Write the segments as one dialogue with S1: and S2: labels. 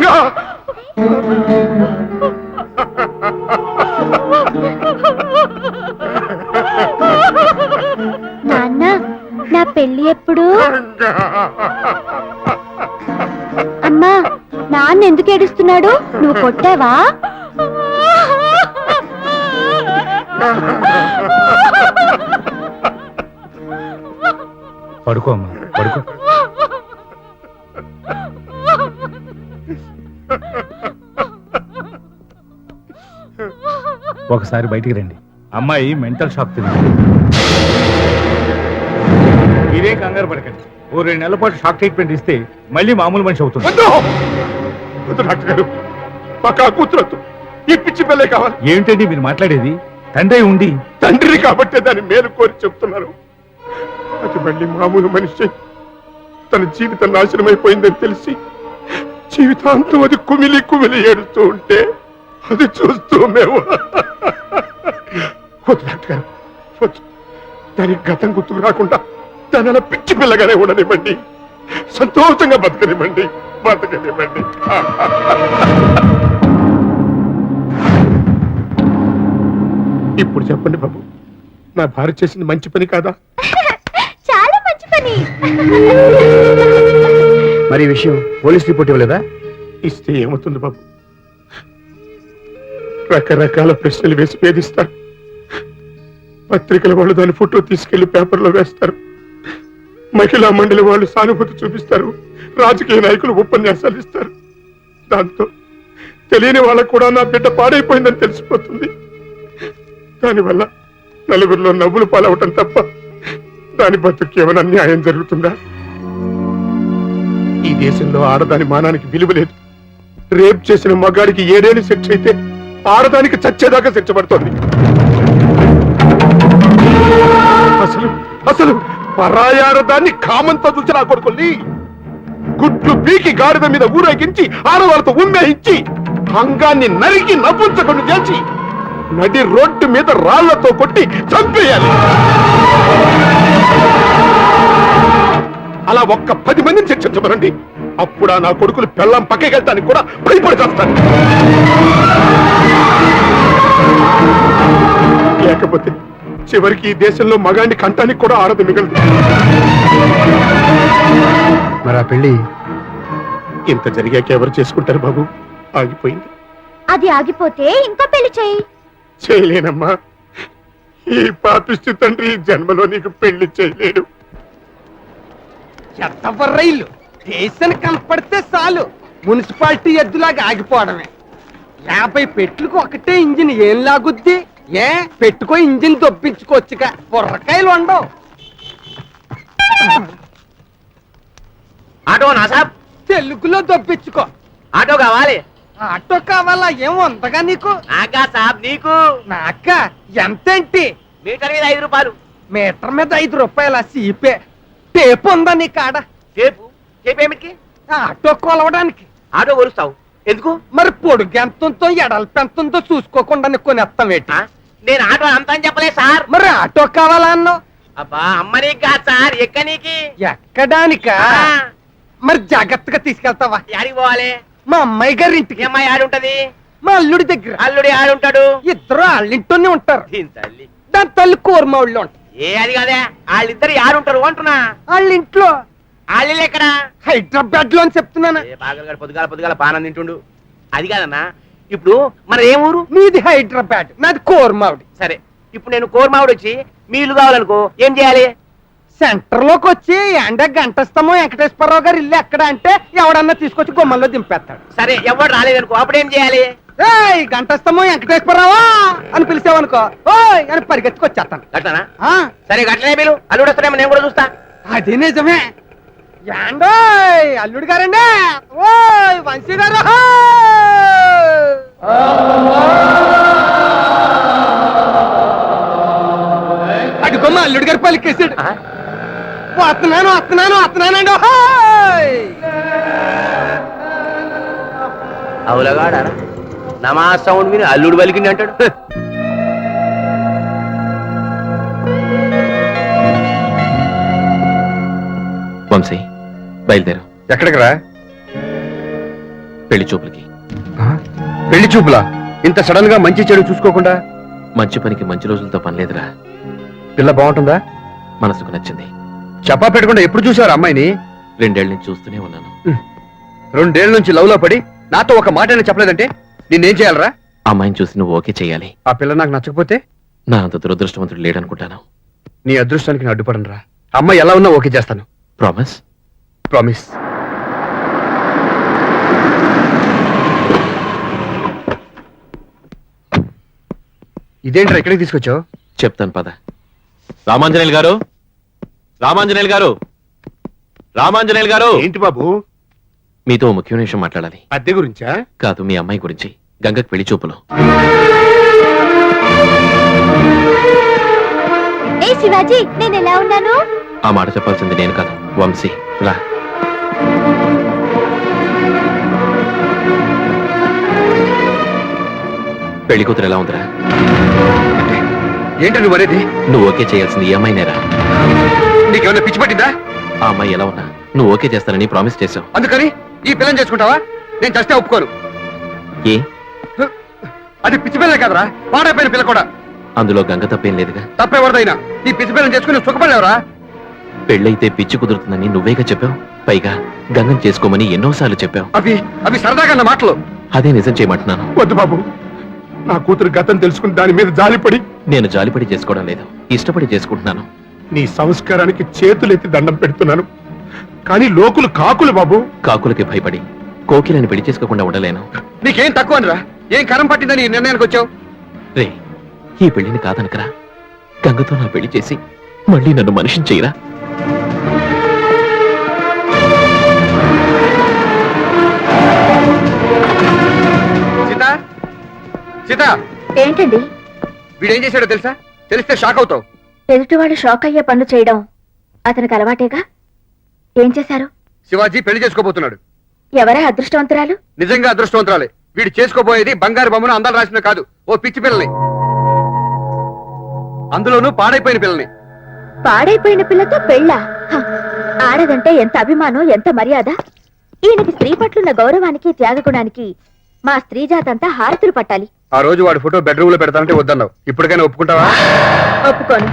S1: రంగా
S2: నాన్న నా పెళ్లి ఎప్పుడు? అమ్మా నాన్న ఎందుకు ఏడుస్తున్నాడు? నువ్వు కొట్టావా?
S3: పడుకో అమ్మా, పడుకో. ఒకసారి బయటికి రండి. అమ్మాయి మెంటల్ షాక్ తింది. మీరేం కంగారు పడకండి. ఓ 2 నెలల పాటు షాక్ ట్రీట్మెంట్ ఇస్తే మళ్ళీ మామూలు మనిషి అవుతుంది.
S1: డాక్టర్ గారు మాకు కూతురొద్దు, ఈ పిచ్చి పిల్లే కావాలి.
S3: ఏమిటండి మీరు మాట్లాడేది? తండ్రి ఉండి
S1: తండ్రిని కాబట్టే దాన్ని మేలు కోరి చెప్తున్నారు. అది మళ్ళీ మామూలు మనిషి తన జీవితం నాశనమైపోయిందని తెలిసి జీవితాంతం అది కుమిలి కుమిలి ఏడుస్తూ ఉంటే అది చూస్తూ మేము వద్దు డాక్టర్ గారు, వద్దు. దానికి గతం గుర్తుకు రాకుండా దాని అలా పిచ్చి పిల్లగానే ఉండనివ్వండి, సంతోషంగా బతకనివ్వండి, బతకనివ్వండి. ఇప్పుడు చెప్పండి బాబు, నా భార్య చేసింది మంచి పని కాదా?
S2: చాలా మంచి పని.
S4: మరి ఈ విషయం పోలీస్ రిపోర్ట్ ఇవ్వలేదా?
S1: ఇస్తే ఏమవుతుంది బాబు? రకరకాల ప్రశ్నలు వేసి వేధిస్తారు. పత్రికల వాళ్ళు దాని ఫోటో తీసుకెళ్లి పేపర్లో వేస్తారు. మహిళా మండలి వాళ్ళు సానుభూతి చూపిస్తారు. రాజకీయ నాయకులు ఉపన్యాసాలు ఇస్తారు. దాంతో తెలియని వాళ్ళకు కూడా నా బిడ్డ పాడైపోయిందని తెలిసిపోతుంది. దానివల్ల నలుగురిలో నవ్వులు పాలవటం తప్ప దాని బతుకు ఏమైనా న్యాయం జరుగుతుందా? ఈ దేశంలో ఆడదాని మానానికి విలువ లేదు. రేప్ చేసిన మగాడికి 7 ఏళ్ళు శిక్ష అయితే ఆడదానికి చచ్చేదాకా శిక్ష పడుతోంది. అసలు అసలు పరాయాడదాన్ని కామంతో చూసి నా కొడుకుల్ని గుడ్లు పీకి గాడిద మీద ఊరేగించి ఆడవాళ్ళతో ఉమ్మేయించి అంగాన్ని నరికి నవ్వుంచకుండా చేసి నడి రోడ్డు మీద రాళ్లతో కొట్టి చంపేయాలి. అలా ఒక్క 10 మందిని శిక్షించమనండి. అప్పుడు నా కొడుకులు పెళ్ళం పక్కకెళ్ళడానికి కూడా భయపడి చేస్తాను. లేకపోతే చివరికి ఈ దేశంలో మగాడిని కంటానికి కూడా ఆడదు మిగలదు.
S4: మరి ఆ పెళ్లి
S1: ఇంత జరిగాక ఎవరు చేసుకుంటారు బాబు? ఆగిపోయింది.
S2: అది ఆగిపోతే ఇంకో పెళ్లి చెయ్యి.
S1: చేయలేనమ్మా. ఈ పాపిష్టి తండ్రి ఈ జన్మలో నీకు పెళ్లి చేయలేడు.
S5: చెత్తబర్రైలు స్టేషన్ కనపడితే చాలు మున్సిపాలిటీ ఎద్దులాగా ఆగిపోవడమే. 50 పెట్లకు ఒకటే ఇంజిన్ ఏం లాగుద్ది? ఏ పెట్టుకో ఇంజిన్ దొబ్బించుకోవచ్చుగా, బుర్రకాయలు ఉండవు.
S6: ఆటో నా సాబ్,
S5: తెలుగులో దొబ్బించుకో.
S6: ఆటో కావాలి.
S5: ఆటో కావాలా? ఏం ఉందగా నీకు?
S6: నాకా సాబ్, నీకు?
S5: నాక ఎంతేంటి?
S6: మీటర్ మీద 5 రూపాయలు.
S5: మీటర్ మీద 5 రూపాయల సీపే. టేపు ఉందా నీ కాడ?
S6: టేపు? టేపు ఏమిటికి?
S5: ఆటో కొలవడానికి.
S6: ఆటో కొలుస్తావు ఎందుకు?
S5: మరి పొడుగు ఎంతుందో ఎడల్పు ఎంతుందో చూసుకోకుండా కొనేస్తాం ఏంటి?
S6: నేను ఆటో అంతా అని చెప్పలే సార్.
S5: మరి ఆటో కావాలా అన్నావు?
S6: అబ్బా అమ్మని కాదు సార్, ఎక్కనీకి.
S5: ఎక్కడానికా? మరి జాగ్రత్తగా తీసుకెళ్తావా?
S6: యాడికి పోవాలి?
S5: మా అమ్మాయి గారి ఇంటికి.
S6: ఈ అమ్మాయి ఆడుంటది?
S5: మా అల్లుడి దగ్గర.
S6: అల్లుడి ఆడుంటాడు?
S5: ఇద్దరు వాళ్ళింటోనే ఉంటారు.
S6: దీని తల్లి.
S5: దాని తల్లి కూరమ ఊళ్ళో ఉంటారు.
S6: ఏ అది కాదే, వాళ్ళిద్దరు ఆడుంటారు అంటున్నా.
S5: వాళ్ళ ఇంట్లో.
S6: వాళ్ళు ఎక్కడ?
S5: హైదరాబాద్ లో అని చెప్తున్నాను.
S6: బాగా పొద్దుగాల పొద్దుగాల పానం తింటుండు. అది కాదన్నా, ఇప్పుడు మన ఏం ఊరు?
S5: నీది హైదరాబాద్, నాది కోరమావిడి.
S6: సరే, ఇప్పుడు నేను కోరమావిడి వచ్చి మీ ఇల్లు కావాలనుకో, ఏం చేయాలి?
S5: సెంటర్ లోకి వచ్చి ఎండ గంటస్తామో వెంకటేశ్వరరావు గారు ఇల్లు ఎక్కడ అంటే ఎవడన్నా తీసుకొచ్చి గుమ్మల్లో దింపేస్తాడు.
S6: సరే, ఎవరు రాలేదనుకో, అప్పుడు ఏం చేయాలి?
S5: ఏయ్ గంటస్తామో వెంకటేశ్వరరావా అని పిలిచావనుకో, ఓయ్ అని పరిగెత్తుకొచ్చేస్తాను.
S6: గట్లనా? సరే, గట్లనే మీరు అల్లుడు వస్తారేమో నేను కూడా చూస్తా.
S5: అది నిజమే. యాండోయ్ అల్లుడు గారండి, ఓయ్ వంశీ గారు, అడుగుమ్మ అల్లుడు గారు పలికేసాడు. వస్తున్నాను వస్తున్నాను వస్తున్నానండి.
S6: అవులగాడా నమా సౌండ్ విని అల్లుడు పలికింది అంటాడు.
S7: వంశీ బయలుదేరు.
S4: ఎక్కడికి రా?
S7: పెళ్లి చూపులకి.
S4: పెళ్లి చూపులా? ఇంత సడన్ గా మంచి చెడు చూసుకోకుండా?
S7: మంచి పనికి మంచి రోజులతో పనిలేదురా.
S4: పిల్ల బాగుంటుందా?
S7: మనసుకు నచ్చింది.
S4: చెప్పా పెట్టకుండా ఎప్పుడు చూసారు అమ్మాయిని?
S7: 2 ఏళ్ల నుంచి చూస్తూనే ఉన్నాను.
S4: 2 ఏళ్ల నుంచి లవ్ లో పడి నాతో ఒక మాట అయినా చెప్పలేదంటే నిన్నేం చేయాలరా?
S7: అమ్మాయిని చూసి నువ్వు ఓకే చేయాలి.
S4: ఆ పిల్ల నాకు నచ్చకపోతే?
S7: నా అంత దురదృష్టవంతుడు లేడనుకుంటాను.
S4: నీ అదృష్టానికి నేను అడ్డుపడను రా. అమ్మాయి ఎలా ఉన్నా ఓకే చేస్తాను.
S7: ప్రామిస్?
S4: ప్రామిస్. ఇదేంట్రా ఇక్కడికి తీసుకొచ్చావు?
S7: చెప్తాను పద. రామాంజనేయులు గారు, రామాంజనేయులు గారు, రామాంజనేయులు గారు,
S1: ఏంటి బాబు?
S7: మీతో ఓ ముఖ్యమైన విషయం మాట్లాడాలి.
S1: అద్దె గురించా?
S7: కాదు, మీ అమ్మాయి గురించి. గంగకు పెళ్లి చూపులు.
S2: ఏ శివాజీ, నేను ఎలా ఉన్నాను?
S7: ఆ మాట చెప్పాల్సింది నేను కాదు, వంశీ. రా. పెళ్లి కూతురు ఎలా ఉందిరా?
S4: ఏంటి నువ్వు అనేది?
S7: నువ్వు ఓకే చేయాల్సింది ఈ అమ్మాయినేరా.
S4: నీకేమన్నా పిచ్చి పట్టిందా?
S7: ఆ అమ్మాయి ఎలా ఉన్నా నువ్వు ఓకే చేస్తానని ప్రామిస్ చేశావు.
S4: అందుకని ఈ పిల్లని చేసుకుంటావా? నేను చస్తే ఒప్పుకోను.
S7: ఏ?
S4: అది పిచ్చి పిల్లే కదరా, పాడైపోయిన పిల్ల కూడా.
S7: అందులో గంగ తప్పేం లేదుగా.
S4: తప్పెవరిదైనా ఈ పిచ్చి పిల్లని చేసుకుని సుఖపడలేవరా?
S7: పెళ్ళైతే పిచ్చి కుదురుతుందని నువ్వేగా చెప్పావు. పైగా గంగం చేసుకోమని ఎన్నోసార్లు చెప్పావు.
S4: అవి అవి సరదాగా అన్న మాటలు.
S7: అదే నిజం చేయమంటున్నాను.
S1: వద్దు బాబు, నా కూతురు గతం తెలుసుకుని దాని మీద జాలిపడి.
S7: నేను జాలిపడి చేసుకోవడం లేదు, ఇష్టపడి చేసుకుంటున్నాను.
S1: నీ సంస్కారానికి చేతులెత్తి దండం పెడుతున్నాను. కానీ లోకులు కాకులు బాబు.
S7: కాకులకి భయపడి కోకిలని పెళ్లి చేసుకోకుండా ఉండలేను.
S4: నీకేం తక్కువ అనిరా? ఏం కరం పట్టిందని ఈ నిర్ణయానికి వచ్చావు?
S7: రే, ఈ పెళ్లిని కాదనకరా. గంగతో నా పెళ్లి చేసి మళ్ళీ నన్ను మనిషిని చేయరా.
S4: సీత, సీత,
S2: ఏంటండి?
S4: వీడేం చేశాడో తెలుసా? తెలిస్తే షాక్ అవుతావు.
S2: ఎదుటివాడు షాక్ అయ్యే పనులు చేయడం అతనికి అలవాటేగా. ఏం చేశారు?
S4: శివాజీ పెళ్లి చేసుకోబోతున్నాడు.
S2: ఎవరా అదృష్టవంతురాలు?
S4: నిజంగా అదృష్టవంతురాలే. వీడు చేసుకోబోయేది బంగారు బొమ్మను అందాలు రాసిన కాదు, ఓ పిచ్చి పిల్లని. అందులోనూ పాడైపోయిన పిల్లని.
S2: పాడైపోయిన పిల్లతో పెళ్ళా? హ, ఆడదంటే ఎంత అభిమానం, ఎంత మర్యాద. ఈయనకి స్త్రీ పట్లున్న గౌరవానికి, త్యాగగుణానికి మా స్త్రీ జాతంతా హారతులు పట్టాలి.
S4: ఆ రోజు వాడి ఫోటో బెడ్రూమ్ లో పెడతానంటే వద్దన్నావు. ఇప్పటికైనా ఒప్పుకుంటావా?
S2: ఒప్పుకోను.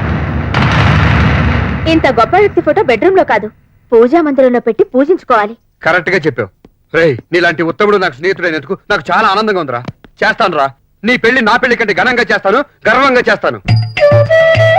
S2: ఇంత గొప్ప వ్యక్తి ఫోటో బెడ్రూమ్ లో కాదు, పూజా మందిరంలో పెట్టి పూజించుకోవాలి.
S4: కరెక్ట్ గా చెప్పావు. రేయ్, నీలాంటి ఉత్తముడు నాకు స్నేహితుడైనందుకు నాకు చాలా ఆనందంగా ఉందిరా. చేస్తాను రా. నీ పెళ్లి నా పెళ్లి కంటే ఘనంగా చేస్తాను, గర్వంగా చేస్తాను.